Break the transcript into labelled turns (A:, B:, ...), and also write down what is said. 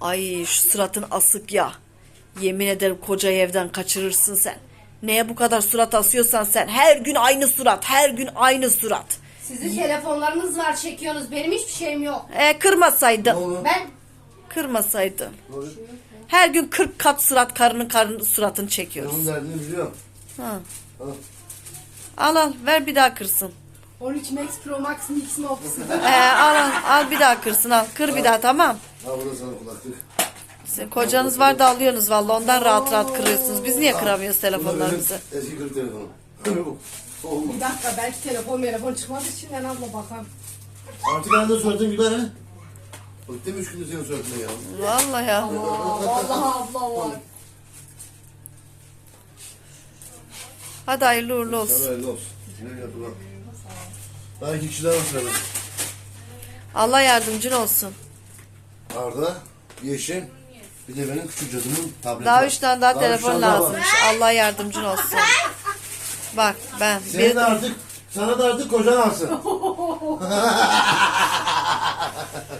A: Ay şu suratın asık ya. Yemin ederim kocayı evden kaçırırsın sen. Neye bu kadar surat asıyorsan sen. Her gün aynı surat. Her gün aynı surat.
B: Sizin telefonlarınız var, çekiyorsunuz. Benim hiçbir şeyim yok.
A: Kırmasaydın.
B: Ben
A: Kırmasaydın. Her gün 40 kat surat karının suratını çekiyoruz.
C: Onun derdini biliyorum.
A: Ha.
C: Al.
A: Al ver bir daha kırsın.
B: 13 Max Pro Max Mix Mox.
A: Al bir daha kırsın al. Kır bir daha tamam.
C: Ha burada sana kulaklık.
A: Sizin kocanız var da alıyorsunuz valla ondan rahat rahat kırıyorsunuz. Biz niye kıramıyoruz
C: Bu da benim
A: telefonlarımızı?
C: eski kırık telefonum. Olmaz.
B: Bir dakika, belki telefon çıkmadı için ben abla bakalım.
C: Artık anında suratın güler ha. Bıktım 3 gündür senin suratına ya.
A: Vallahi ya.
B: Vallahi abla var.
A: Hadi hayırlı uğurlu olsun.
C: Sana hayırlı olsun. Ne yaptı lan? Daha 2 kişi daha var sırada.
A: Allah yardımcın olsun.
C: Arda, Yeşim, bir de benim küçük cadımın tableti
A: Daha
C: var.
A: 3 tane daha
C: üç
A: telefon
C: tane daha var.
A: lazımmış. Allah yardımcın olsun. Bak ben
C: Senin de artık, sana da artık kocan alsın.